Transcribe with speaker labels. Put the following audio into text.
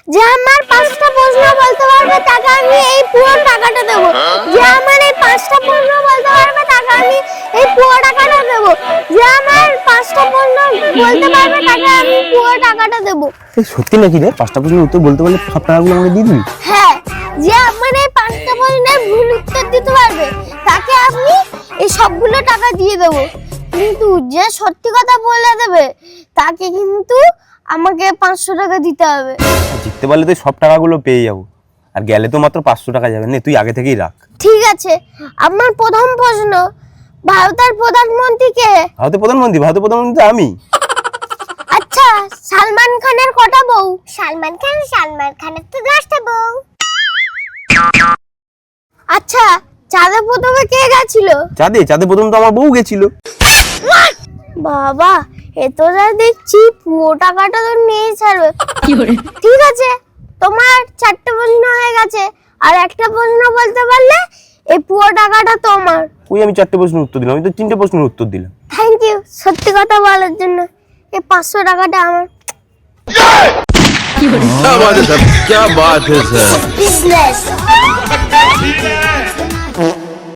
Speaker 1: যে আমার 5টা প্রশ্ন বলতে পারবে তাকে আমি এই পুরো টাকাটা দেব। যে আমার এই 5টা প্রশ্ন বলতে পারবে তাকে আমি এই পুরো টাকাটা দেব। যে আমার 5টা প্রশ্ন বলতে পারবে তাকে আমি পুরো টাকাটা দেব।
Speaker 2: এই সত্যি নাকি রে? 5টা প্রশ্নের উত্তর বলতে পারলে সব টাকাগুলো আমাকে দিয়ে দিবি?
Speaker 1: হ্যাঁ, যে আমার এই 5টা প্রশ্নের ভুল উত্তর দিতে পারবে তাকে আমি এই সবগুলো টাকা দিয়ে দেব। কিন্তু যে সত্যি কথা বলে দেবে তাকে কিন্তু আমাকে 500 টাকা দিতে হবে।
Speaker 2: জিততে পারলে তো সব টাকাগুলো পেয়ে যাবো, আর গেলে তো মাত্র 500 টাকা যাবে। নে তুই আগে থেকেই রাখ।
Speaker 1: ঠিক আছে, আমার প্রথম প্রশ্ন, ভারতের প্রধানমন্ত্রী কে?
Speaker 2: ভারতের প্রধানমন্ত্রী তো আমি।
Speaker 1: আচ্ছা, সালমান খানের কটা বউ? সালমান খানের তো 10টা বউ। আচ্ছা, চাঁদে প্রথমে কে গেছিল?
Speaker 2: চাঁদে প্রথম তো আমার বউ গেছিল।
Speaker 1: বাবা, এ তো যা দেখছি পুরো টাকাটা তো নিয়ে ছাড়বে। ঠিক আছে, তোমার 4টে প্রশ্ন হয়ে গেছে, আর একটা প্রশ্ন বলতে পারলে এই পুরো টাকাটা তোমার।
Speaker 2: ওই আমি 4টে প্রশ্নের উত্তর দিলাম, আমি তো 3টে প্রশ্নের উত্তর দিলাম।
Speaker 1: থ্যাংক ইউ সত্যি কথা বলার জন্য। এই 500 টাকাটা আমার।
Speaker 3: क्या बात है सर, क्या बात है सर।
Speaker 1: বিজনেস